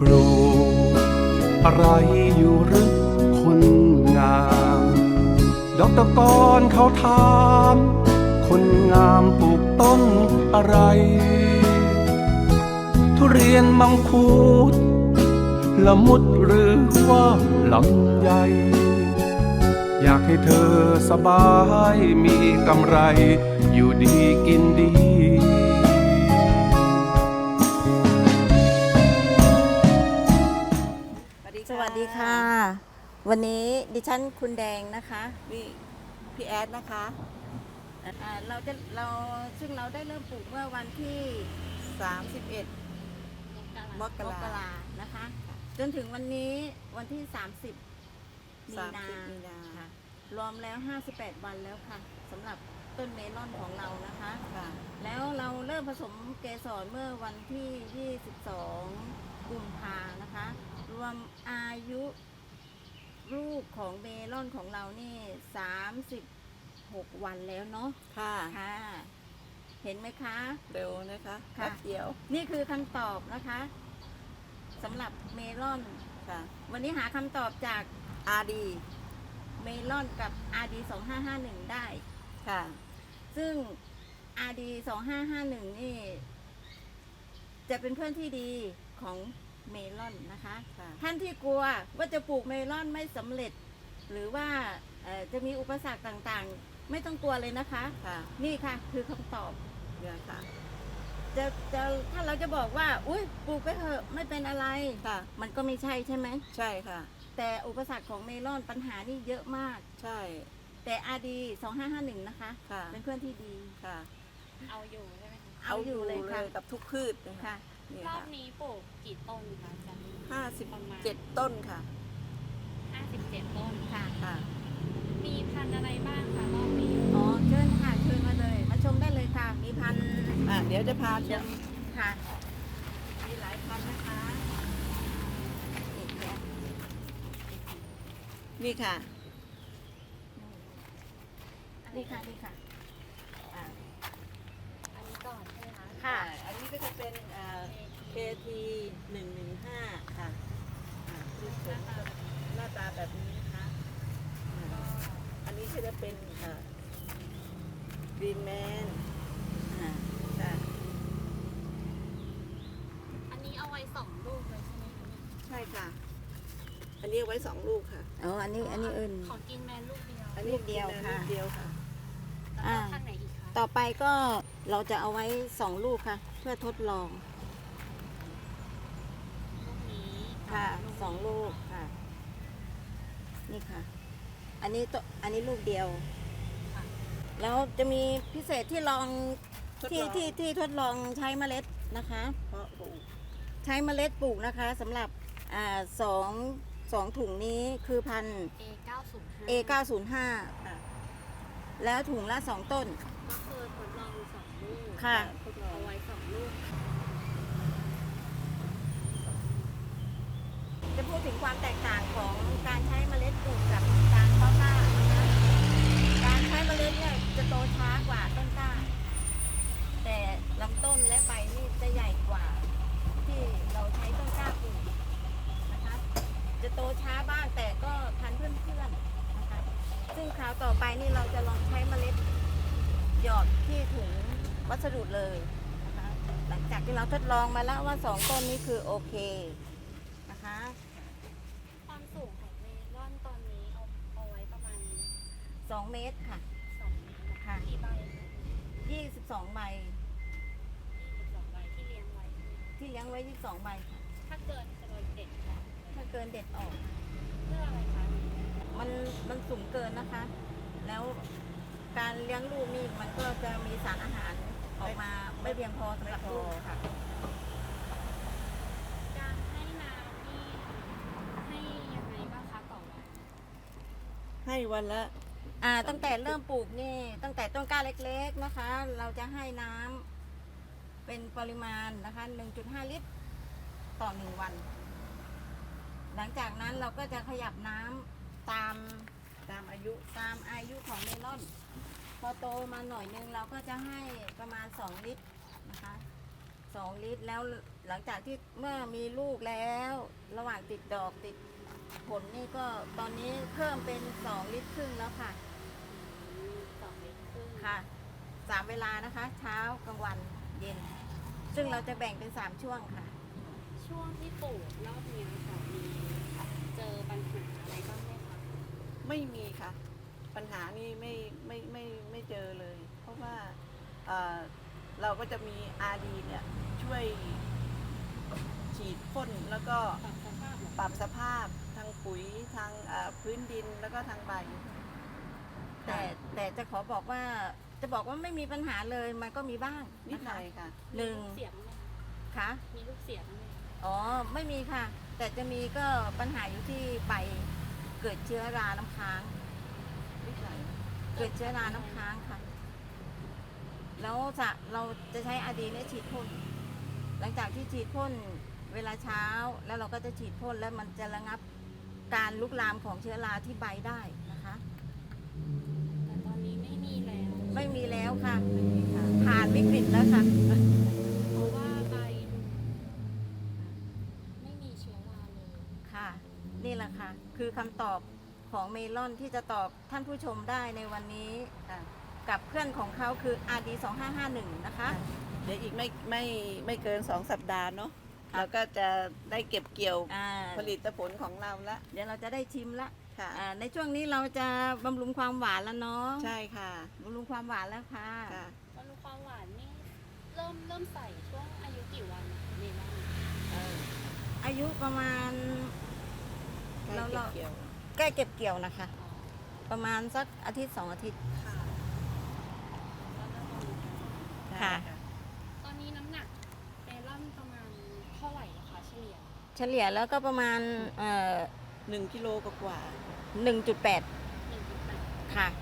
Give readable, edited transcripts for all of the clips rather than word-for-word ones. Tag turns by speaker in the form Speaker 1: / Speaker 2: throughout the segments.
Speaker 1: ลูกอะไรอยู่หรือคนงามดอกตะกอนเขาถามคนงามปลูกต้นอะไรทุเรียนมังคุดละมุดหรือว่าลำไยอยากให้เธอสบายมีกำไรอยู่ดีกินดี
Speaker 2: สวัสดีค่ะ วันนี้ดิฉันคุณแดงนะคะนี่พี่แอดนะคะซึ่งเราได้เริ่มปลูกเมื่อวันที่31 มกรานะคะ จนถึงวันนี้วันที่30 มีนาค่ะรวมแล้ว58 วันแล้วค่ะสำหรับต้นเมลอนของเรานะคะแล้วเราเริ่มผสมเกสรเมื่อวันที่22 กุมภานะคะรวมอายุลูกของเมลอนของเรานี่36 วันแล้วเนาะค่ะเห็นไหมคะ
Speaker 3: เร็วนะคะ
Speaker 2: แป๊บเดียวนี่คือคำตอบนะคะสำหรับเมลอนค่ะวันนี้หาคำตอบจาก RD เมลอนกับ RD 2551ได้ค่ะซึ่ง RD 2551นี่จะเป็นเพื่อนที่ดีของเมลอนนะคะท่านที่กลัวว่าจะปลูกเมลอนไม่สำเร็จหรือว่าจะมีอุปสรรคต่างๆไม่ต้องกลัวเลยนะคะนี่ค่ะคือคำตอบเนี่ยค่ะถ้าเราจะบอกว่าอุ้ยปลูกไปเถอะไม่เป็นอะไรมันก็ไม่ใช่ใช่ไหมใช่ค่ะแต่อุปสรรคของเมลอนปัญหานี่เยอะมากใช่แต่ RD 2551นะคะเป็นเพื่อนที่ดีค่ะ
Speaker 4: เอาอยู่ใช่ไหมคะ
Speaker 2: เอาอยู่เลยค่ะ
Speaker 3: กับทุกพืช
Speaker 2: ค่ะ
Speaker 4: รอบนี้ปลูกกี่ต้นคะอาจารย์
Speaker 3: 57 ต้นค่ะ
Speaker 4: 57 ต้น
Speaker 2: ค่ะ
Speaker 4: มีพันธุ์อะไรบ้างคะรอบนี้
Speaker 2: อ๋อเชิญค่ะเชิญมาเลยมาชมได้เลยค่ะมีพันธุ์
Speaker 3: เดี๋ยวจะพาชม
Speaker 2: ค่ะมีหลายพันธุ์นะคะ
Speaker 3: นี่ค่ะ
Speaker 2: นี่ค่ะ
Speaker 4: อันนี้ก่อนใช่ไหมคะ
Speaker 2: ค่ะ
Speaker 3: อันนี้ก็จะเป็นKT 115ค่ะหน้าตาแบบนี้นะคะอันนี้ก็จะเป็นGreen Man
Speaker 4: อันนี้เอาไว้2 ลูกเลยใช่ไหมคะ
Speaker 3: ใช่ค่ะอันนี้ไว้2 ลูกค่ะ
Speaker 2: อ๋ออันนี้อื่น
Speaker 4: ของกินแมนลูกเดียว
Speaker 3: อันนี้เดียวค่ะ
Speaker 4: แล้วพันธุ์ไหนอีกคะ
Speaker 2: ต่อไปก็เราจะเอาไว้2 ลูกค่ะเพื่อทดลอง
Speaker 4: ลูกนี้
Speaker 2: ค่ะ2 ลูกค่ะนี่ค่ะอันนี้ลูกเดียวแล้วจะมีพิเศษที่ลองที่ทดลองใช้เมล็ดนะคะใช้เมล็ดปลูกนะคะสำหรับสองถุงนี้คือพันธุ์ A905 แล้วถุงละ2 ต้น
Speaker 4: ก็คือทดลอง2 ลูก
Speaker 2: ค่ะ
Speaker 4: เอาไว้2 ลูก
Speaker 2: จะพูดถึงความแตกต่างของการใช้เมล็ดปลูกกับการเพาะกล้านะคะการใช้เมล็ดเนี่ยจะโตช้ากว่าต้นกล้าแต่ลำต้นและใบนี่จะใหญ่กว่าที่เราใช้ต้นกล้าปลูกนะคะจะโตช้าบ้างแต่ก็ทันเพื่อนๆนะคะซึ่งคราวต่อไปนี่เราจะลองใช้เมล็ดหยอดที่ถุงวัสดุเลยนะคะหลังจากที่เราทดลองมาแล้วว่า2 ต้นนี้คือโอเคนะคะ
Speaker 4: ความสูงของเมลอนตอนนี้เอาไว้ประมาณ
Speaker 2: 2 เมตรค่ะ
Speaker 4: 2 เมตร
Speaker 2: ค่ะ
Speaker 4: กี่ใบ
Speaker 2: 22 ใบ
Speaker 4: 22 ใบที่เลี้ยงไว้
Speaker 2: 22 ใบค่ะ
Speaker 4: ถ้าเกินจะโดนเด็ดออก
Speaker 2: ถ้าเกินเด็ดออก
Speaker 4: เพื่ออะไรคะ
Speaker 2: มันสูงเกินนะคะแล้วการเลี้ยงลูกนี่มันก็จะมีสารอาหารออกมาไม่เพียงพอสำหรับลูกค่ะ
Speaker 4: การให้น้ำนี่ให้ยังไงบ้างคะต่อวัน
Speaker 3: ให้วันละ
Speaker 2: ตั้งแต่เริ่มปลูกนี่ตั้งแต่ต้นกล้าเล็กๆนะคะเราจะให้น้ำเป็นปริมาณนะคะ 1.5 ลิตรต่อ1 วันหลังจากนั้นเราก็จะขยับน้ำตามอายุของเมลอนพอโตมาหน่อยนึงเราก็จะให้ประมาณ2 ลิตรนะคะ2 ลิตรแล้วหลังจากที่เมื่อมีลูกแล้วระหว่างติดดอกติดผลนี่ก็ตอนนี้เพิ่มเป็น2 ลิตรครึ่งแล้วค่ะ
Speaker 4: 2 ลิตรครึ่ง
Speaker 2: ค่ะ3 เวลานะคะ เช้ากลางวันเย็น ซึ่งเราจะแบ่งเป็น3 ช่วงค่ะ
Speaker 4: ช่วงที่ปลูกรอบนี้ค่ะมีเจอปัญหาอะไรบ้างไหมคะ
Speaker 3: ไม่มีค่ะ ปัญหานี่ไม่เจอเลย เพราะว่าเราก็จะมีอาดีเนี่ยช่วยฉีดพ่นแล้วก็
Speaker 4: ปรับสภาพเหรอ
Speaker 3: ปรับสภาพทางปุ๋ยทางพื้นดินแล้วก็ทางใบ
Speaker 2: แต่จะขอบอกว่าจะบอกว่าไม่มีปัญหาเลยมันก็มีบ้าง
Speaker 3: นิด
Speaker 2: นะ
Speaker 3: หน่
Speaker 2: คะ
Speaker 3: อยค่ะ
Speaker 2: หนึ่ง
Speaker 4: มีลูกเสียงไหม
Speaker 2: ค่ะ
Speaker 4: มีลูกเสียงไหม
Speaker 2: อ๋อไม่มีค่ะ แต่จะมีก็ปัญหาอยู่ที่ใบเกิดเชื้อราน้ำค้าง
Speaker 3: นิดหน่อย
Speaker 2: เกิดเชื้อราน้ำค้างค่ะ แล้วเราจะใช้อาดีเนี่ยฉีดพ่นหลังจากที่ฉีดพ่นเวลาเช้าแล้วเราก็จะฉีดพ่นแล้วมันจะระงับการลุกลามของเชื้อราที่ใบได้นะคะ
Speaker 4: แต่ตอนนี้ไม่มีแล้ว
Speaker 2: ไม่มีแล้วค่ะ
Speaker 3: ไม่มีค่ะ
Speaker 2: ผ่านวิกฤตแล้วค่ะ
Speaker 4: เพราะว่าใบไม่มีเชื้อราเลย
Speaker 2: ค่ะ นี่แหละค่ะ คือคำตอบของเมลอนที่จะตอบท่านผู้ชมได้ในวันนี้
Speaker 3: ค่ะ
Speaker 2: กับเพื่อนของเขาคือ RD 2551นะคะ
Speaker 3: เดี๋ยวอีกไม่เกิน2 สัปดาห์เนาะ
Speaker 2: ค่ะ
Speaker 3: เราก็จะได้เก็บเกี่ยว
Speaker 2: อ่า
Speaker 3: ผลิตผลของเราละ
Speaker 2: เดี๋ยวเราจะได้ชิมละ
Speaker 3: ค่ะ
Speaker 2: ในช่วงนี้เราจะบำรุงความหวานแล้วเนาะ
Speaker 3: ใช่ค่ะ
Speaker 2: บำรุงความหวานแล้วค่ะ
Speaker 3: ค่ะ
Speaker 4: บำรุงความหวานนี่เริ่มใส่ช่วงอายุกี่วันเมลอน
Speaker 2: อายุประมาณ
Speaker 3: ใกล้
Speaker 2: เรา
Speaker 3: เก็บเกี่ยว
Speaker 2: ใกล้เก็บเกี่ยวนะคะ ประมาณสักอาทิตย์2 อาทิตย์
Speaker 3: ค่ะ
Speaker 2: ค่ะ
Speaker 4: ตอนนี้น้ำหนักเมลอนประมาณเท่าไหร่นะคะเฉลี่ย
Speaker 2: เฉลี่ยแล้วก็ประมาณ
Speaker 3: 1 กิโลกว่า
Speaker 2: 1.8
Speaker 4: 1.8
Speaker 2: ค่ะ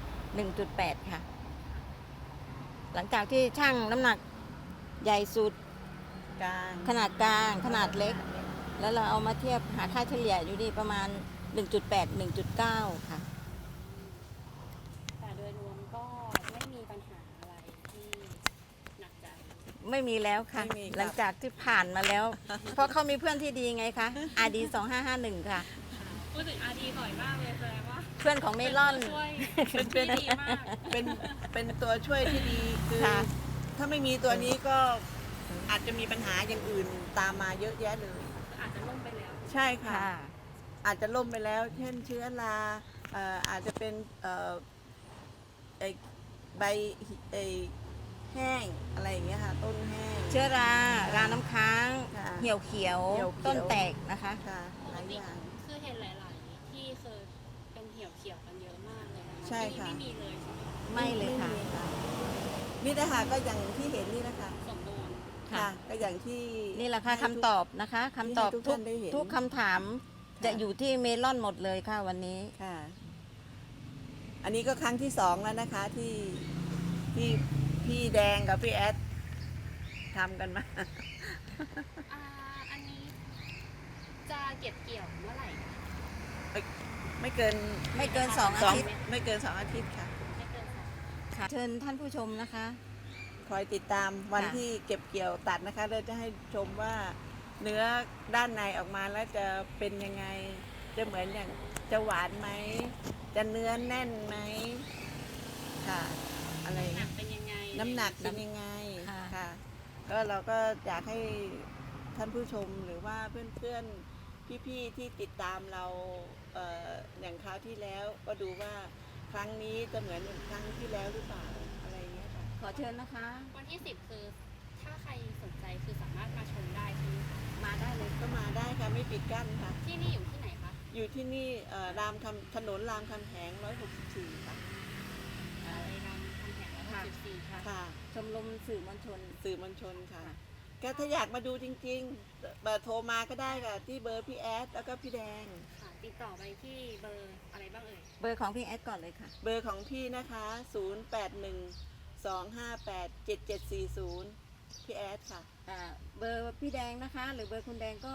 Speaker 2: 1.8 ค่ะ หลังจากที่ช่างน้ำหนักใหญ่สุด
Speaker 3: กลาง
Speaker 2: ขนาดกลาง ขนาดเล็ก แล้วเราเอามาเทียบหาค่าเฉลี่ยอยู่ที่ประมาณ 1.8 1.9 ค่ะ
Speaker 4: แต่โดยรวมก็ไม่มีปัญหาอะไรที่หนักใจ
Speaker 2: ไม่มีแล้วค่ะ
Speaker 3: ไม่มีครับ
Speaker 2: หลังจากที่ผ่านมาแล้ว เพราะเขามีเพื่อนที่ดีไงคะ RD 2551 ค่ะ
Speaker 4: พูดถึงอาดีบ่อยมากเลยแสดงว่า
Speaker 2: เพื่อนของเมลอน
Speaker 4: ช่วย
Speaker 3: เป็น
Speaker 4: ที่ดีมาก
Speaker 3: เป็นตัวช่วยที่ดีคือ
Speaker 2: ค่ะ
Speaker 3: ถ้าไม่มีตัวนี้ก็อาจจะมีปัญหาอย่างอื่นตามมาเยอะแยะเลย
Speaker 4: อาจจะล่มไปแล้ว
Speaker 3: ใช่ค่ะ
Speaker 2: ค่ะ
Speaker 3: อาจจะล่มไปแล้ว เช่นเชื้อราอาจจะเป็นไอ้ใบไอ้แห้งอะไรอย่างเงี้ยค่ะ ต้นแห้ง
Speaker 2: เชื้อราน้ำค้าง
Speaker 3: ค่ะ
Speaker 2: เหี่ยวเขียว
Speaker 3: เหี่ยวเขียว
Speaker 2: ต้นแตกนะคะ
Speaker 3: ค่ะ
Speaker 4: ป
Speaker 3: ห
Speaker 4: ก
Speaker 3: ลาย
Speaker 4: ติ
Speaker 3: อย่าง
Speaker 4: คือเห็นหลาย ๆ ที่เคยเป็นเหี่ยวเขียวกันเยอะมากเลยนะคะ
Speaker 3: ใช่ค่ะ
Speaker 4: ที่นี่ไม่มีเลยใช่ไหม
Speaker 2: ไม่เลยค่ะ
Speaker 3: ไม่มีค่ะนี่นะคะก็อย่างที่เห็นนี่นะคะ
Speaker 4: สมบูรณ์
Speaker 3: ค่ะ ก็อย่างที่
Speaker 2: นี่แหละค่ะ
Speaker 3: ให้
Speaker 2: คำตอบนะคะคำตอบ
Speaker 3: ให้ทุก
Speaker 2: ทุก
Speaker 3: ท่านได้เห็น
Speaker 2: ทุกคำถาม
Speaker 3: ค่ะ
Speaker 2: จะอยู่ที่เมลอนหมดเลยค่ะวันนี้
Speaker 3: ค่ะ อันนี้ก็ครั้งที่2แล้วนะคะที่พี่แดงกับพี่แอดทำกันมา
Speaker 4: อันนี้จะเก็บเกี่ยวเมื่อไหร่
Speaker 3: ไม่เกิน
Speaker 2: ไม่เกิน2 อาทิตย์
Speaker 3: ไม่เกิน2 อาทิตย์ค่ะ
Speaker 4: ไม่เกินสอง
Speaker 2: ค่ะเชิญท่านผู้ชมนะคะ
Speaker 3: คอยติดตามวัน
Speaker 2: ค่ะ
Speaker 3: ที่เก็บเกี่ยวตัดนะคะเราจะให้ชมว่าเนื้อด้านในออกมาแล้วจะเป็นยังไง จะเหมือนอย่างจะหวานไหม จะเนื้อแน่นไหมค่ะ อะไร
Speaker 4: หนักเป็นยังไง
Speaker 3: น้ำหนักเป็นยังไง
Speaker 2: ค่ะ
Speaker 3: ค่ะ ก็เราก็อยากให้ท่านผู้ชมหรือว่าเพื่อนๆพี่ๆที่ติดตามเราอย่างคราวที่แล้วก็ดูว่าครั้งนี้จะเหมือนอย่างครั้งที่แล้วหรือเปล่าอะไรอย่างเงี้ยค่ะ
Speaker 2: ขอเชิญนะคะ
Speaker 4: วันที่ 10 คือ ถ้าใครสนใจคือสามารถมาชมได้ใช่ไหมคะ
Speaker 2: มาได้เลย
Speaker 3: ก็มาได้ค่ะไม่ปิดกั้นค่ะ
Speaker 4: ที่นี่อยู่ที่ไหนคะ
Speaker 3: อยู่ที่นี่ถนนรามคำแหง164ค่ะ
Speaker 4: อะไรนำคำแหงแล้วก็14ค่ะ
Speaker 3: ค่ะ
Speaker 2: ชมรมสื่อมวลชน
Speaker 3: สื่อมวลชนค่ะก็ถ้าอยากมาดูจริงๆโทรมาก็ได้ค่ะที่เบอร์พี่แอดแล้วก็พี่แดง
Speaker 4: ค่ะ ติดต่อไปที่เบอร์อะไรบ้างเอ่ย
Speaker 2: เบอร์ของพี่แอดก่อนเลยค่ะ
Speaker 3: เบอร์ของพี่นะคะ 0812587740 พี่แอดค่ะ
Speaker 2: เบอร์พี่แดงนะคะ หรือเบอร์คุณแดงก็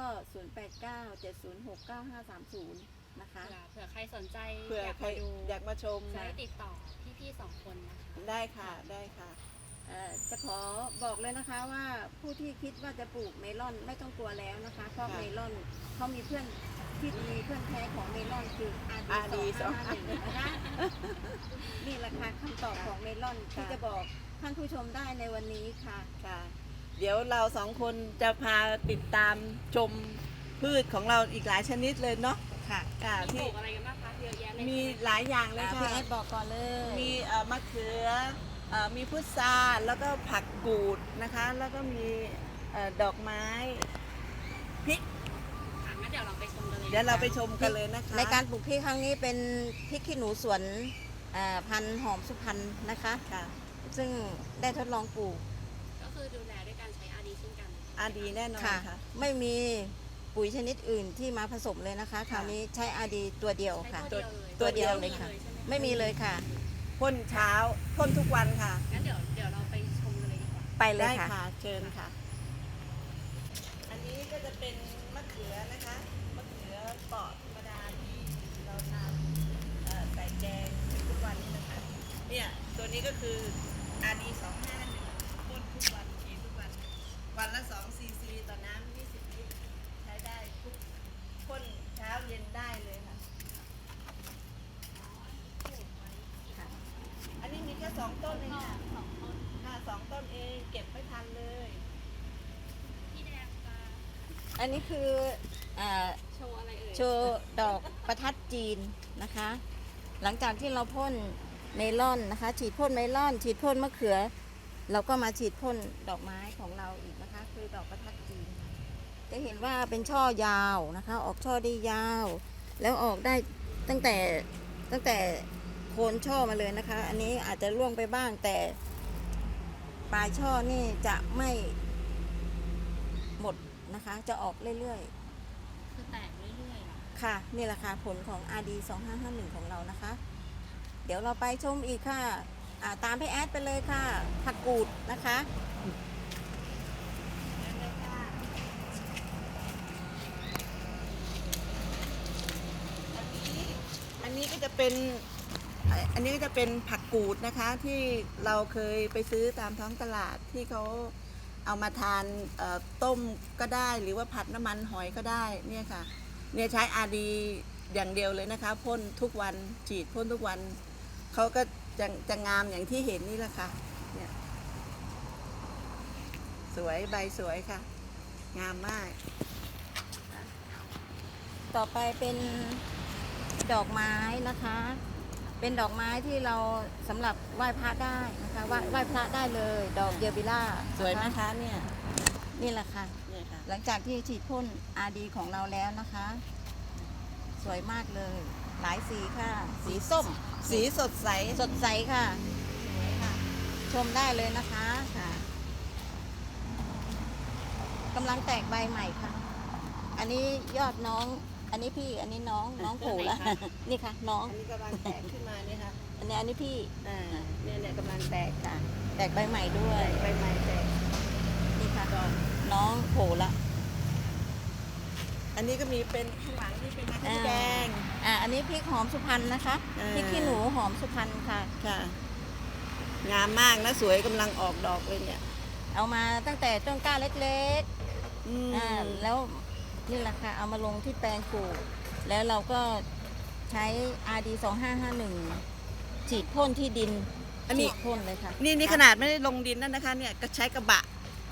Speaker 2: 0897069530 นะคะ
Speaker 4: เผื่อใครสนใจ
Speaker 3: เผื่อ
Speaker 4: อยาก
Speaker 3: ใคร
Speaker 4: มาดู
Speaker 3: อยากมาชม
Speaker 4: ใช้ติดต่อพี่ๆ2 คนนะคะ
Speaker 3: ได้ค่ะ ได้ค่ะ
Speaker 2: จะขอบอกเลยนะคะว่าผู้ที่คิดว่าจะปลูกเมลอนไม่ต้องกลัวแล้วนะคะเพราะเมลอนเขามีเพื่อนที่ดีเพื่อนแท้ของเมลอนคือ RD 251นะคะนี่แหละค่ะคำตอบของเมลอนที่จะบอกท่านผู้ชมได้ในวันนี้ค่ะ
Speaker 3: ค่ะ เดี๋ยวเราสองคนจะพาติดตามชมพืชของเราอีกหลายชนิดเลยเนาะ
Speaker 2: ค่ะ
Speaker 3: ค่ะ
Speaker 4: มีป
Speaker 3: ที่
Speaker 4: ลูกอะไรกันบ้างคะเยอะแยะเลย
Speaker 3: มีหลายอย่างเลย
Speaker 2: พี่
Speaker 3: ค่ะ
Speaker 2: แอดบอกก่อนเลย
Speaker 3: มีมะเขือมีพุทราแล้วก็ผักกูดนะคะ แล้วก็มีดอกไม้พริก
Speaker 4: ค่ะงั้นเดี๋ยวเราไปชมกันเลย
Speaker 3: เดี๋ยวเราไปชมกันเลยนะคะ
Speaker 2: ในการปลูกพริกครั้งนี้เป็นพริกขี้หนูสวนพันธุ์หอมสุพรรณนะคะ
Speaker 3: ค่ะ
Speaker 2: ซึ่งได้ทดลองปลูก
Speaker 4: ก็คือดูแลด้วยการใช้ RD เช่นกัน
Speaker 3: ดีแน่นอน
Speaker 2: ค่ะ
Speaker 3: ค่ะ
Speaker 2: ไม่มีปุ๋ยชนิดอื่นที่มาผสมเลยนะคะคราวนี้ใช้ RD ตัวเดียว
Speaker 4: ใช้
Speaker 2: ค่ะ
Speaker 4: ตัวเดียว
Speaker 2: ตัวเดียวเลยค่ะ
Speaker 4: ใช่ห
Speaker 2: ไม่มีเลยค่ะ
Speaker 3: พ่นเช้าพ่นทุกวันค่ะ
Speaker 4: งั้นเดี๋ยวเราไปชมกันเลยดีกว่า
Speaker 2: ไปเลย
Speaker 3: ได้
Speaker 2: ค่ะ
Speaker 3: ค่ะ เชิญค่ะ อันนี้ก็จะเป็นมะเขือนะคะ มะเขือเปราะธรรมดาที่เราทำใส่แกงทุกวันนี้นะคะ เนี่ย ตัวนี้ก็คือ RD 251พ่นทุกวันฉีดทุกวัน วันละ2 cc ต่อน้ำ20 ลิตร ใช้ได้ทุกพ่นเช้าเย็นได้เลยค่ะ อันนี้มีแค่2 ต้นเองค่ะค่ะ2 ต้นเองเก็บไม่ทันเลย
Speaker 4: พี่แดงจะ
Speaker 2: อันนี้คืออ่า
Speaker 4: โชว์อะไรเอ่ย
Speaker 2: โชว์ดอกประทัดจีนนะคะ หลังจากที่เราพ่นเมลอนนะคะ ฉีดพ่นเมลอน ฉีดพ่นมะเขือ เราก็มาฉีดพ่นดอกไม้ของเราอีกนะคะ คือดอกประทัดจีน จะเห็นว่าเป็นช่อยาวนะคะ ออกช่อได้ยาว แล้วออกได้ตั้งแต่โคนช่อมาเลยนะคะ อันนี้อาจจะร่วงไปบ้างแต่ปลายช่อนี่จะไม่หมดนะคะ จะออกเรื่อยๆ
Speaker 4: คือแตกเรื่อยๆเหรอ
Speaker 2: ค่ะนี่แหละค่ะผลของ RD 2551ของเรานะคะ เดี๋ยวเราไปชมอีกค่ะตามพี่แอดไปเลยค่ะผักกูดนะคะ
Speaker 3: อันนี้ก็จะเป็นผักกูดนะคะที่เราเคยไปซื้อตามท้องตลาดที่เขาเอามาทานต้มก็ได้หรือว่าผัดน้ำมันหอยก็ได้เนี่ยค่ะเนี่ยใช้ RD อย่างเดียวเลยนะคะพ่นทุกวันฉีดพ่นทุกวันเขาก็จะงามอย่างที่เห็นนี่แหละค่ะเนี่ยสวยใบสวยค่ะ งามมาก
Speaker 2: ต่อไปเป็นดอกไม้นะคะ เป็นดอกไม้ที่เราสำหรับไหว้พระได้นะคะไหว้พระได้เลย ดอกเยอบิล่า
Speaker 3: สวยไหมคะเนี่ย
Speaker 2: นี่แหละค่ะ
Speaker 3: เนี่ยค่ะ
Speaker 2: หลังจากที่ฉีดพ่น RD ของเราแล้วนะคะ สวยมากเลย หลายสีค่ะ สีส้ม
Speaker 3: สีสดใส
Speaker 2: สดใสค่ะสวยค่ะ ชมได้เลยนะคะ
Speaker 3: ค่ะ
Speaker 2: กำลังแตกใบใหม่ค่ะ อันนี้ยอดน้อง อันนี้พี่ อันนี้น้องโผล่แล้ว นี่ค่ะ น้อง
Speaker 3: อันนี้กำลังแตกขึ้นมาเนี่ยค่ะ
Speaker 2: อันนี้พี่
Speaker 3: เนี่ยกำลังแตกค่ะ
Speaker 2: แตกใบใหม่ด้วย
Speaker 3: ใบไม้แตก
Speaker 2: นี่ค่ะ น้องโผล่ละ
Speaker 3: อันนี้ก็มีเป็นข้างหลังนี่เป็นมะเขือแดง
Speaker 2: อันนี้พริกหอมสุพรรณนะคะ
Speaker 3: อ่า
Speaker 2: พริกขี้หนูหอมสุพรรณค่ะ
Speaker 3: ค่ะ งามมากนะสวยกำลังออกดอกเลยเนี่ย
Speaker 2: เอามาตั้งแต่ต้นกล้าเล็ก
Speaker 3: อืม
Speaker 2: ๆแล้วนี่แหละค่ะ เอามาลงที่แปลงปลูก แล้วเราก็ใช้ RD 2551 ฉีดพ่นที่ดิน
Speaker 3: อันนี้
Speaker 2: ฉีดพ่นเลยค่ะ
Speaker 3: นี่ขนาดไม่ได้ลงดินนั่นนะคะ เนี่ยก็ใช้กระบะ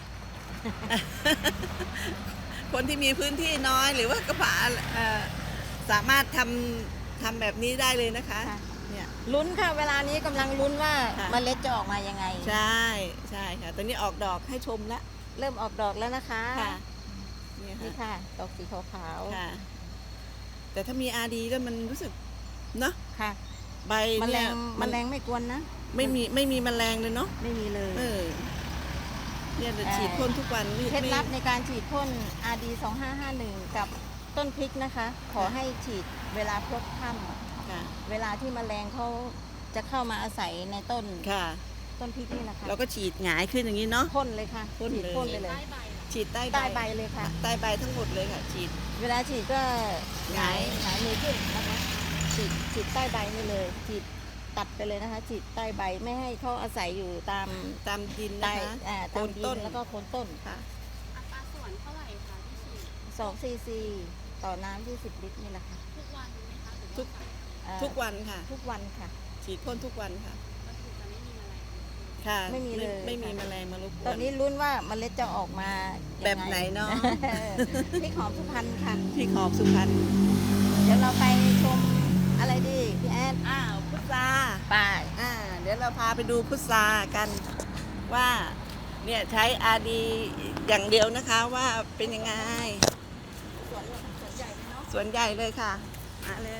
Speaker 3: คนที่มีพื้นที่น้อยหรือว่ากระบะสามารถทำแบบนี้ได้เลยนะคะ
Speaker 2: ค่ะ
Speaker 3: เนี่ย
Speaker 2: ลุ้นค่ะ เวลานี้กำลังลุ้นว่า
Speaker 3: ค่ะ
Speaker 2: เมล็ดจะออกมายังไง
Speaker 3: ใช่ค่ะ ตอนนี้ออกดอกให้ชมแล้ว
Speaker 2: เริ่มออกดอกแล้วนะคะ
Speaker 3: ค่ะเนี่ย
Speaker 2: นี่
Speaker 3: ค่ะ
Speaker 2: ค่ะ ดอกสีขาว
Speaker 3: ค่ะ แต่ถ้ามี RD แล้วมันรู้สึกเนาะ
Speaker 2: ๆค่ะ
Speaker 3: ใบ
Speaker 2: แมล
Speaker 3: เนี่ย
Speaker 2: งแมลงไม่กวนนะ
Speaker 3: ไม่มีแมลงเลยเนาะ
Speaker 2: ไม่มีเลย
Speaker 3: เนี่ยเดี๋ยวฉีดพ่นทุกวันไม่
Speaker 2: เคล็ดลับ
Speaker 3: ไม่
Speaker 2: ในการฉีดพ่น RD 2551 กับต้นพริกนะคะ ขอให้ฉีดเวลาพลบค่
Speaker 3: ค่ะ
Speaker 2: ำเวลาที่แมลงเขาจะเข้ามาอาศัยในต้น
Speaker 3: ค่ะ
Speaker 2: ต้นพริกนี่แหละค่ะ
Speaker 3: เราก็ฉีดหงายขึ้นอย่างนี้เนาะ
Speaker 2: พ่นเลยค่ะ
Speaker 3: พ่น
Speaker 2: ฉีด
Speaker 3: เลย
Speaker 2: พ่นไปเลย
Speaker 4: ใต้ใบเหรอ
Speaker 3: ฉีดใต้
Speaker 2: ใต้ใบเลยค่ะ
Speaker 3: ใต้ใบทั้งหมดเลยค่ะ ฉีด
Speaker 2: เวลาฉีดก็หงาย
Speaker 3: หงาย
Speaker 2: มือขึ้นนะคะฉีดใต้ใบนี่เลยฉีดตัดไปเลยนะคะฉีดใต้ใบไม่ให้เขาอาศัยอยู่ตาม
Speaker 3: ตามดิน
Speaker 2: ใต้
Speaker 3: นะคะ
Speaker 2: ตาม
Speaker 3: โคน
Speaker 2: ดิ
Speaker 3: ต้
Speaker 2: น
Speaker 3: น
Speaker 2: แล้วก็โคนต้น
Speaker 3: ค่ะ
Speaker 4: อัตราส่วนเท่าไหร่คะที่ฉีด
Speaker 2: 2 ซีซีต่อน้ำ20 ลิตรนี่แหละค่ะ
Speaker 4: ทุกวันไหมคะหรือ
Speaker 3: ทุ
Speaker 4: ว่าก
Speaker 3: ทุกวันค่ะ
Speaker 2: ทุกวันค่ะ
Speaker 3: ฉีดพ่นทุกวันค่ะ
Speaker 4: ก็คือจะไม่มีแมลง
Speaker 3: ค่ะ
Speaker 2: ไม่มีเลย
Speaker 3: ไม่มี
Speaker 2: ค่ะ
Speaker 3: แมลงมารบกวน
Speaker 2: ตอนนี้ลุ้นว่าเมล็ดจะออกมายังง
Speaker 3: แบบไหนเนาะ
Speaker 2: พริกหอมสุพรรณค่ะ
Speaker 3: พริกหอมสุพรรณ
Speaker 2: เดี๋ยวเราไปชมอะไรดีพี่แอน
Speaker 3: อ้าวพุทรา
Speaker 2: ไป
Speaker 3: เดี๋ยวเราพาไปดูพุทรากันว่าเนี่ยใช้อาดีอย่างเดียวนะคะว่าเป็นยังไง
Speaker 2: สวนใหญ่เนาะ
Speaker 3: สวนใหญ่เลยค่ะ มาเลย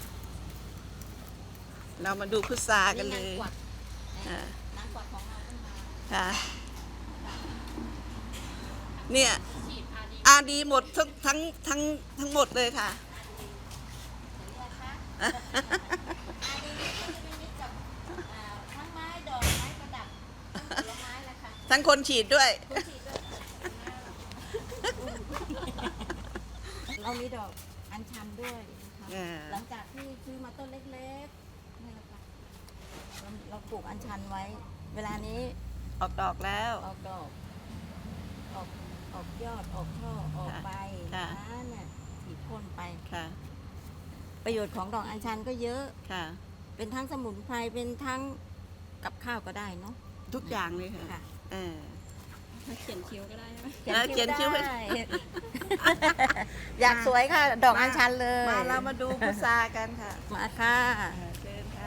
Speaker 3: เรามาดูพุทรากันเลย
Speaker 2: นางกวัก
Speaker 3: อ่า
Speaker 2: นางกวักของเราต้องมา
Speaker 3: ค่ะ เนี่ย
Speaker 4: ฉีดอาดี
Speaker 3: อาดีหมดทั้งหมดเลยค่ะ
Speaker 2: เห็นไหมคะอาดีก็จะเป็นมิตรกับทั้งไม้ดอกไม้ประดับทั้งผลไม้แหละค่ะ
Speaker 3: ทั้งคนฉีดด้วย
Speaker 2: คุณฉีดด้วยเรามีดอกอัญชันด้วยนะคะ
Speaker 3: อ่า
Speaker 2: หลังจากที่ซื้อมาต้นเล็กๆนี่แหละค่ะเราปลูกอัญชันไว้ เวลานี้
Speaker 3: ออกดอกแล้ว
Speaker 2: ออกดอกออกยอดออกช่อออกใบ
Speaker 3: ค่ะ
Speaker 2: นะเนี่ยฉีดพ่นไป
Speaker 3: ค่ะ
Speaker 2: ประโยชน์ของดอกอัญชันก็เยอะ
Speaker 3: ค่ะ
Speaker 2: เป็นทั้งสมุนไพรเป็นทั้งกับข้าวก็ได้เนาะ
Speaker 3: ทุกอย่างเลยค่ะ
Speaker 2: ค่ะ
Speaker 3: เออ
Speaker 4: เขียนคิ้วก็ได้ใช่ไหม
Speaker 3: เขียนคิ้ว
Speaker 2: ได้ อยากสวยค่ะ ดอกอัญชันเลย
Speaker 3: มาเรามาดูพุทรากันค่ะ
Speaker 2: มาค่ะ
Speaker 3: เชิญค่ะ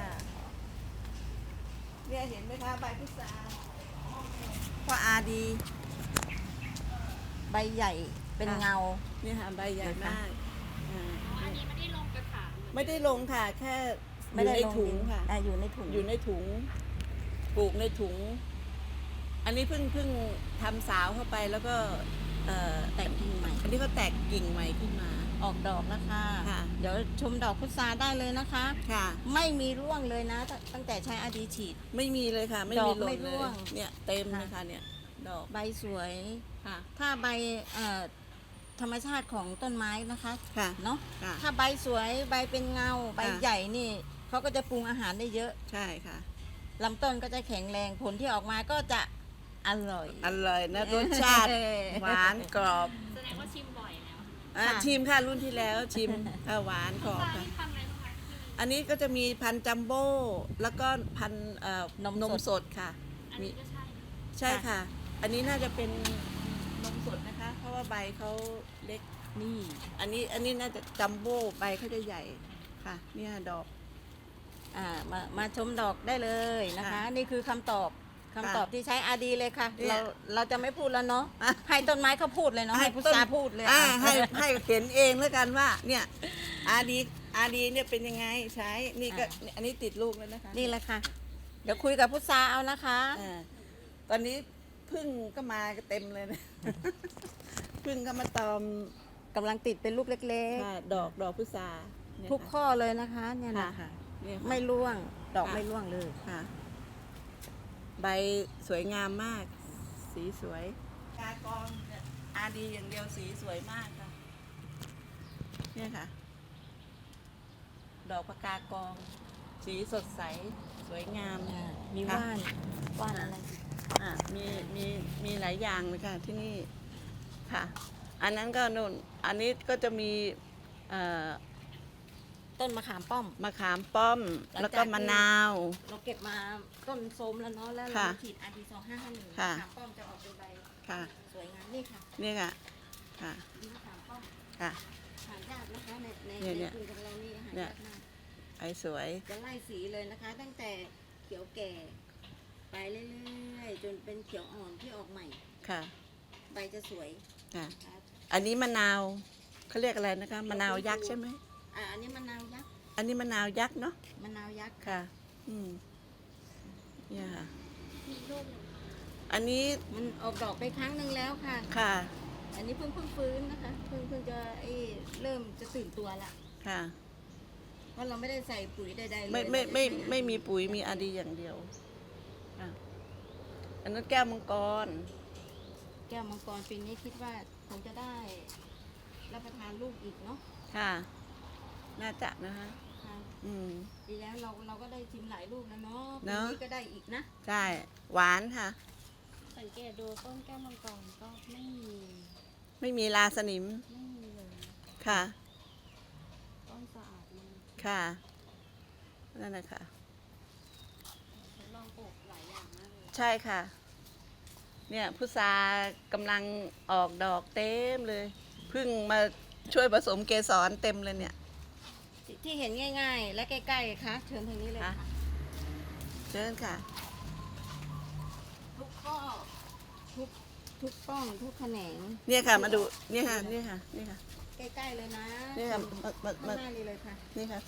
Speaker 3: เนี่ยเห็นไหมคะใบพุทราเพราะอาดี
Speaker 2: ใบใหญ่เป็นเงา
Speaker 3: เนี่ยค่ะใบใหญ่มากอ่า
Speaker 4: อันนี้ไม่ได้ลงกระถาง
Speaker 3: ไม่ได้ลงค่ะ แค่อ
Speaker 2: ไม่
Speaker 3: ยู่
Speaker 2: ได้
Speaker 3: ใน
Speaker 2: ลง
Speaker 3: ถุง
Speaker 2: ดิน
Speaker 3: ค่ะ
Speaker 2: อยู่ในถุง
Speaker 3: อยู่ในถุง ปลูกในถุง อันนี้เพิ่งทำสาวเข้าไปแล้วก็
Speaker 2: แต่งกิ่งใหม่
Speaker 3: อันนี้ก็แตกกิ่งใหม่ขึ้นมา
Speaker 2: ออกดอกแล้วค่ะ
Speaker 3: ค่ะ
Speaker 2: เดี๋ยวชมดอกพุทราได้เลยนะคะ
Speaker 3: ค่ะ
Speaker 2: ไม่มีร่วงเลยนะ ตั้งแต่ใช้อาดีฉีด
Speaker 3: ไม่มีเลยค่ะ ไม่
Speaker 2: ด
Speaker 3: มี
Speaker 2: อก
Speaker 3: หล่
Speaker 2: ไม่
Speaker 3: นเล
Speaker 2: ร่วย ง
Speaker 3: เนี่ยเต็มเลย
Speaker 2: ค่ะ
Speaker 3: ค่ะเนี่ย ดอก
Speaker 2: ใบสวย
Speaker 3: ค่ะ
Speaker 2: ถ้าใบธรรมชาติของต้นไม้นะคะ
Speaker 3: ค่ะ
Speaker 2: เนาะ
Speaker 3: ค่ะ
Speaker 2: ถ้าใบสวยใบเป็นเงา ใบ
Speaker 3: ค่ะ
Speaker 2: ใหญ่นี่เขาก็จะปรุงอาหารได้เยอะ
Speaker 3: ใช่ค่ะ
Speaker 2: ลำต้นก็จะแข็งแรงผลที่ออกมาก็จะอร่อย
Speaker 3: อร่อยนะรสชาติหวานกรอบ
Speaker 4: แสดงว่าชิมบ่อยแล้ว
Speaker 2: ค่ะ
Speaker 3: ชิมค่ะรุ่นที่แล้วชิมหวานกรอบ
Speaker 4: ตอน
Speaker 3: ค่ะ
Speaker 4: นี้ทำอะไรบ้างคะที่
Speaker 3: อันนี้ก็จะมีพันธุ์จัมโบ้แล้วก็พันธุ์นมสดค่ะ
Speaker 4: อันนี้ก็ใช่
Speaker 3: ใช่ค่ะ อันนี้น่าจะเป็นนมสดนะคะ เพราะว่าใบเขาเล็ก
Speaker 2: นี่
Speaker 3: อันนี้น่าจะจัมโบ้ใบเขาจะใหญ่ค่ะ เนี่ยดอก
Speaker 2: มาชมดอกได้เลยนะคะ
Speaker 3: ค่ะ
Speaker 2: นี่คือคำตอบที่ใช้อาดีเลยค่ะ
Speaker 3: เนี่ย
Speaker 2: เราจะไม่พูดแล้วเนาะ
Speaker 3: อ่ะ
Speaker 2: ให้ต้นไม้เขาพูดเลยเนาะให้พุทราพูดเลย
Speaker 3: ให้เห็นเองแล้วกันว่า เนี่ยอาดีเนี่ยเป็นยังไงใช้นี่ก็อันนี้ติดลูกแล้วนะคะ
Speaker 2: นี่แหละค่ะ เดี๋ยวคุยกับพุทราเอานะคะ
Speaker 3: ตอนนี้พึ่งก็มาเต็มเลยนะ พึ่งก็มาตอม
Speaker 2: กำลังติดเป็นลูกเล็ก
Speaker 3: ค่ะดอกพุทราเนี่ย
Speaker 2: ๆ ทุก
Speaker 3: ค่ะ
Speaker 2: ข้อเลยนะคะเนี่ยนะ
Speaker 3: ค่ะ
Speaker 2: คะ
Speaker 3: เนี่ยค่ะ
Speaker 2: ไม่ร่วงดอก
Speaker 3: ค่ะ
Speaker 2: ไม่ร่วงเลย
Speaker 3: ค่ะ ใบสวยงามมาก สีสวยกากองเนี่ยอาดีอย่างเดียวสีสวยมากค่ะ เนี่ยค่ะ ดอกพะกากอง สีสดใส สวยงาม
Speaker 2: มี
Speaker 3: ค่ะ
Speaker 2: ว่านอะไร
Speaker 3: มีหลายอย่างเลยค่ะที่นี่ค่ะ อันนั้นก็นู่นอันนี้ก็จะมีเอ่อ
Speaker 2: ต้นมะขามป้อม
Speaker 3: มะขามป้อม แล้วก็มะนาว
Speaker 2: เราเก็บมาต้นโทรมแล้วเนาะแล้วเรา
Speaker 3: ค่ะ
Speaker 2: ฉีดอาดี2551
Speaker 3: ค่ะ
Speaker 2: มะขามป้อมจะออกเป็นใบ
Speaker 3: ค่ะ
Speaker 2: สวยงามนี่ค่ะ
Speaker 3: เนี่ยค่ะค่ะ
Speaker 2: มะขามป้อม
Speaker 3: ค่ะ
Speaker 2: หายากนะคะใน
Speaker 3: เนี่ย
Speaker 2: กรุงของเรานี่หา
Speaker 3: เนี่ย
Speaker 2: ยากมาก
Speaker 3: ไอ้สวย
Speaker 2: จะไล่สีเลยนะคะ ตั้งแต่เขียวแก่ ไปเรื่อยๆจนเป็นเขียวอ่อนที่ออกใหม่
Speaker 3: ค่ะ
Speaker 2: ใบจะสวย
Speaker 3: ค่ะ
Speaker 2: นะคะ
Speaker 3: อันนี้มะนาวเขาเรียกอะไรนะคะมะนาวยักษ์ใช่ไหม
Speaker 2: อันนี้มะนาวยักษ์
Speaker 3: อันนี้มะนาวยักษ์เนาะ
Speaker 2: มะนาวยักษ์
Speaker 3: ค่ะ อืมเนี่ยค่ะ
Speaker 4: มีลูกหนึ่ง
Speaker 3: อันนี้
Speaker 2: มันออกดอกไปครั้งหนึ่งแล้วค่ะ
Speaker 3: ค่ะ
Speaker 2: อันนี้เพิ่งฟื้นนะคะเพิ่งจะเริ่มจะตื่นตัวละ
Speaker 3: ค่ะ
Speaker 2: เพราะเราไม่ได้ใส่ปุ๋ยใดๆเลย
Speaker 3: ไม่มีปุ๋ยมีอาดีอย่างเดียวค่ะอันนั้นแก้วมังกร
Speaker 2: แก้วมังกรปีนี้คิดว่าคงจะได้รับประทานลูกอีกเนาะ
Speaker 3: ค่ะ น่าจะนะคะ
Speaker 2: คค่ะ
Speaker 3: อืม
Speaker 2: ปีแล้วเราก็ได้ชิมหลายลูกแล้วเนาะ
Speaker 3: เน
Speaker 2: ปี
Speaker 3: อะ
Speaker 2: นี้ก็ได้อีกนะ
Speaker 3: ใช่ หวานค่ะ
Speaker 4: สังเกตดูต้นแก้วมังกรก็
Speaker 3: ไม่มีราสนิม
Speaker 4: ไม่มีเลย
Speaker 3: ค่ะ
Speaker 4: ต้นสะอาดมาก
Speaker 3: ค่ะ นั่นแหละค่ะ
Speaker 4: ทดลองปลูกหลายอย่างมากเลย
Speaker 3: ใช่ค่ะ เนี่ยพุทรากำลังออกดอกเต็มเลย เพิ่งมาช่วยผสมเกสรเต็มเลยเนี่ย
Speaker 2: ที่เห็นง่ายๆ และใกล้ๆค่ะเชิญทางนี้เลยค่ะ
Speaker 3: เชิญค่ะ
Speaker 2: ทุกข้อทุกป้องทุกแขนง
Speaker 3: เนี่ยค่ะ มาดู เนี่ยค่ะ นี่ค่ะ นี่ค่ะ
Speaker 2: ใกล้ๆเลยนะ
Speaker 3: นี่ค่ะ มา
Speaker 2: ข้างหน้านี่เลยค่ะ
Speaker 3: นี่ค่ะ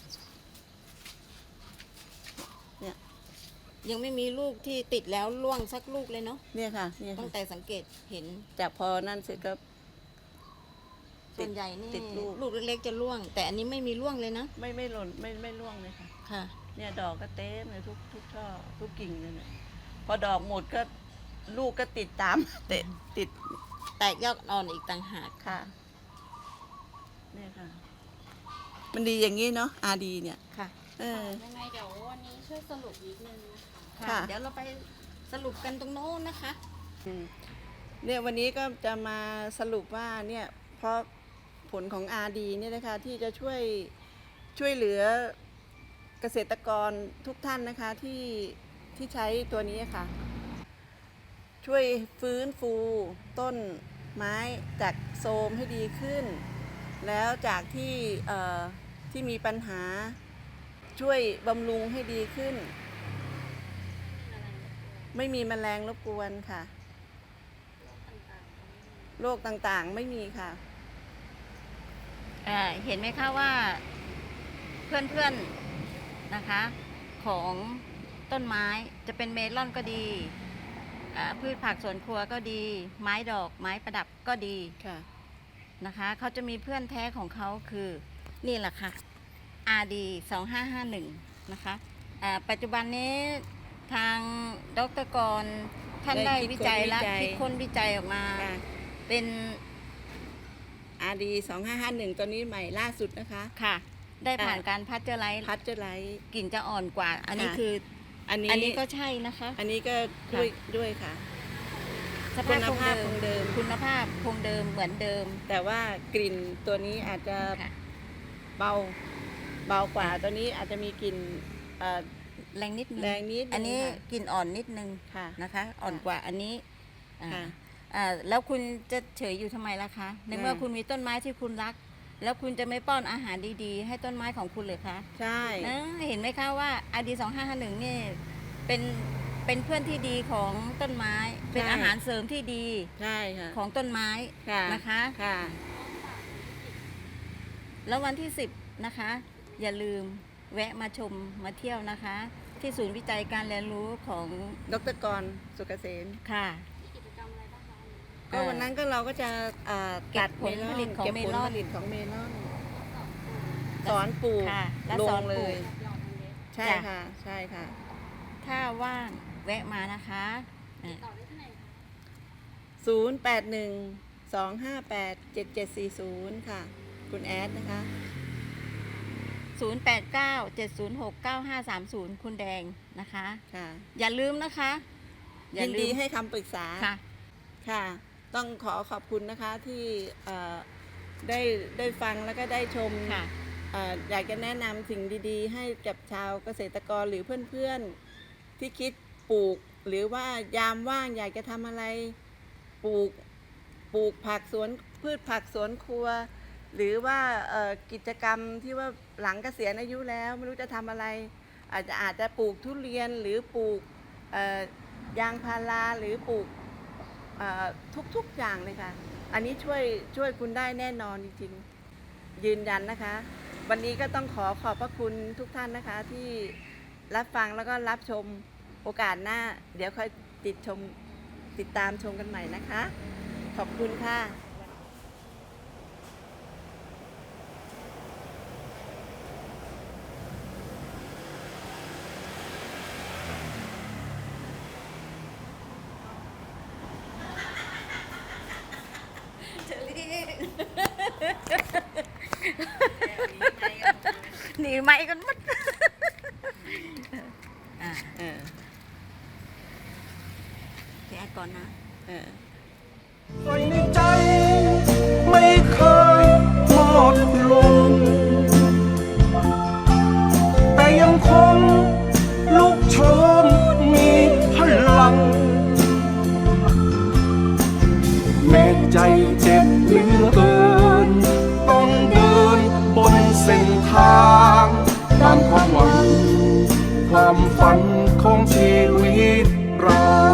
Speaker 2: ยังไม่มีลูกที่ติดแล้วร่วงสักลูกเลยเนาะ
Speaker 3: เนี่ยค่ะ เนี่ย
Speaker 2: ตั้
Speaker 3: ค่ะ
Speaker 2: งแต่สังเกตเห็น
Speaker 3: จากพอนั่นเสร็จก็
Speaker 2: ส่วนใหญ่นี่
Speaker 3: ติดลูก
Speaker 2: ลูกเล็กๆจะร่วง แต่อันนี้ไม่มีร่วงเลยนะ
Speaker 3: ไม่หล่น ไม่ร่วงเลยค่ะ
Speaker 2: ค่ะ
Speaker 3: เนี่ยดอกก็เต็มเลยทุกช่อทุกกิ่งเลยเนี่ยพอดอกหมดก็ลูกก็ติดตาม ติด
Speaker 2: แตกยอดอ่อนอีกต่างหาก
Speaker 3: ค่ะ เนี่ยค่ะ มันดีอย่างนี้เนาะอาดีเนี่ย
Speaker 2: ค่ะ
Speaker 3: เออ
Speaker 4: ยังไงเดี๋ยววันนี้ช่วยสรุปนิดนึงนะคะ
Speaker 3: ค่ะ
Speaker 2: เดี๋ยวเราไปสรุปกันตรงโน้นนะคะ
Speaker 3: เนี่ยวันนี้ก็จะมาสรุปว่าเนี่ยเพราะผลของอาดีเนี่ยนะคะที่จะช่วยเหลือเกษตรกรทุกท่านนะคะที่ใช้ตัวนี้ค่ะ ช่วยฟื้นฟูต้นไม้จากโทรมให้ดีขึ้น แล้วจากที่มีปัญหาช่วยบำรุงให้ดีขึ้น ไม่มีแมลงรบกวนค่ะ โรคต่างๆไม่มีค่ะ
Speaker 2: เห็นไหมคะว่าเพื่อนๆนะคะของต้นไม้จะเป็นเมลอนก็ดีพืชผักสวนครัวก็ดี ไม้ดอกไม้ประดับก็ดี
Speaker 3: ค่ะ
Speaker 2: นะคะเขาจะมีเพื่อนแท้ของเขาคือนี่แหละค่ะ RD 2551นะคะปัจจุบันนี้ทางดร.กรท่าน
Speaker 3: ได้
Speaker 2: ได้วิจัยและ
Speaker 3: คิดค้นวิจัย
Speaker 2: คิดค้นวิจัยออกมา
Speaker 3: ค่ะ
Speaker 2: เป็น
Speaker 3: RD 2551ตัวนี้ใหม่ล่าสุดนะคะ
Speaker 2: ค่ะ ได้ผ่านการพัชเจอร์ไลท์
Speaker 3: พัชเจอร์ไลท์
Speaker 2: กลิ่นจะอ่อนกว่า อันนี้
Speaker 3: ค่ะ
Speaker 2: คือ
Speaker 3: อัน
Speaker 2: อัน
Speaker 3: นี้
Speaker 2: นี้ก็ใช่นะคะ
Speaker 3: อันนี้ก็
Speaker 2: ค่ะ
Speaker 3: ด้วยค่ะ
Speaker 2: ส
Speaker 3: คุ
Speaker 2: ภาพ
Speaker 3: ณภาพคงเดิม
Speaker 2: คุณภาพคงเดิมเหมือนเดิม
Speaker 3: แต่ว่ากลิ่นตัวนี้อาจจะ
Speaker 2: ค่ะ
Speaker 3: เบากว่าตัวนี้อาจจะมีกลิ่นเอ่อ
Speaker 2: แรงนิดนึง
Speaker 3: แรงนิดนึง
Speaker 2: อันนี้
Speaker 3: ค่ะ
Speaker 2: กลิ่นอ่อนนิดนึง
Speaker 3: ค่ะ
Speaker 2: นะคะ อ่อนกว่าอันนี้อ่า
Speaker 3: ค่ะ
Speaker 2: แล้วคุณจะเฉยอยู่ทำไมล่ะคะ ในเมื่อ
Speaker 3: ค่ะ
Speaker 2: คุณมีต้นไม้ที่คุณรัก แล้วคุณจะไม่ป้อนอาหารดีๆ ให้ต้นไม้ของคุณเลยคะ
Speaker 3: ใช่
Speaker 2: นะเห็นไหมคะว่า RD 2551นี่เป็นเพื่อนที่ดีของต้นไม้ เป็นอาหารเสริมที่ดี
Speaker 3: ใช่ค่ะ
Speaker 2: ของต้นไม้
Speaker 3: ค่ะ
Speaker 2: นะคะ
Speaker 3: ค่ะ
Speaker 2: แล้ววันที่ 10 นะคะ อย่าลืมแวะมาชมมาเที่ยวนะคะ ที่ศูนย์วิจัยการเรียนรู้ของ
Speaker 3: ดร.กรสุกเกษม
Speaker 2: ค่ะ
Speaker 4: มีกิจกรรมอะไรบ้างคะ
Speaker 3: ก็วันนั้นก็เราก็จะ
Speaker 2: เก็บผลผลิตของ
Speaker 3: เก็บ
Speaker 2: เม
Speaker 3: ผล
Speaker 2: ลอน
Speaker 3: ผลิตของเมลอน สอนปลูก
Speaker 2: ค่ะและ
Speaker 3: ล
Speaker 2: สอง น
Speaker 3: เล
Speaker 2: ปลู
Speaker 3: ย
Speaker 2: ก
Speaker 4: หยอดเมล็ด
Speaker 3: ใช่
Speaker 2: จ้ะ
Speaker 3: ค่ะ ใช่ค่ะ
Speaker 2: ถ้าว่างแวะมานะคะ
Speaker 4: ติดต่อได้ที่ไหนคะ
Speaker 3: 0812587740 ค่ะ คุณแอดนะคะ
Speaker 2: 0897069530 คุณแดงนะคะ
Speaker 3: ค่ะ
Speaker 2: อย่าลืมนะคะ
Speaker 3: ยินดีให้คำปรึกษา
Speaker 2: ค่ะ
Speaker 3: ค่ะ ต้องขอบคุณนะคะที่ได้ฟังแล้วก็ได้ชม
Speaker 2: ค่ะ
Speaker 3: อยากจะแนะนำสิ่งดีๆ ให้กับชาวเกษตรกรหรือเพื่อนๆ ที่คิดปลูก หรือว่ายามว่างอยากจะทำอะไรปลูกผักสวนพืชผักสวนครัว หรือว่ากิจกรรมที่ว่าหลังเกษียณอายุแล้วไม่รู้จะทำอะไร อาจจะปลูกทุเรียนหรือปลูกยางพาราหรือปลูกทุกอย่างเลยค่ะ อันนี้ช่วยคุณได้แน่นอนจริงๆ ยืนยันนะคะ วันนี้ก็ต้องขอบพระคุณทุกท่านนะคะที่รับฟังแล้วก็รับชมโอกาสหน้า เดี๋ยวค่อยติดตามชมกันใหม่นะคะ ขอบคุณค่ะ
Speaker 2: หนีไม่กันหมดอ่า
Speaker 3: เออ
Speaker 2: พี่แอดก่อนนะ
Speaker 3: เออ
Speaker 1: ไฟในใจไม่เคยหมดลงแต่ยังคงลุกโชนมีพลังแม้ใจเจ็บเหลือเกินต้องเดินบนเส้นทางตามความหวังความฝันของชีวิตเรา